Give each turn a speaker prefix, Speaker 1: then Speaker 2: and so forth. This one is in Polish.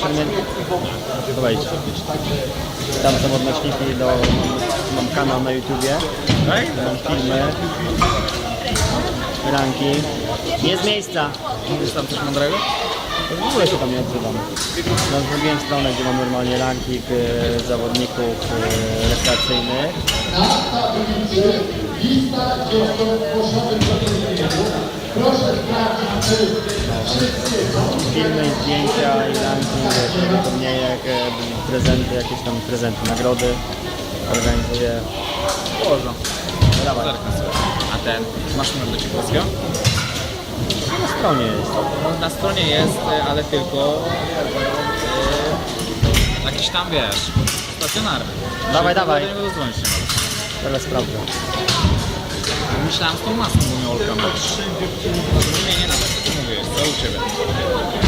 Speaker 1: osiągnięcia. Wejdź. Tam są odnośniki do... Mam kanał na YouTubie. Mam filmy. Ranking. Nie z miejsca.
Speaker 2: Mówisz tam coś mądrego?
Speaker 1: W ogóle się tam nie odzywam. No, zrobiłem stronę, gdzie mam normalnie ranking zawodników rekreacyjnych. Filmy, zdjęcia i ranking, wspomnienia, prezenty, jakieś tam prezenty, nagrody organizuję.
Speaker 2: Można.
Speaker 1: No dawaj.
Speaker 2: A ten, masz numer do Ciekowskiego?
Speaker 1: Na stronie jest.
Speaker 2: No, na stronie jest, ale tylko jakiś tam, wiesz, stacjonarny.
Speaker 1: Dawaj, dawaj.
Speaker 2: Do niego zadzwonić nie możesz.
Speaker 1: Teraz sprawdzę.
Speaker 2: Myślałem z tą maską, bo mnie Olka ma. Nie, na to co mówię, co u Ciebie?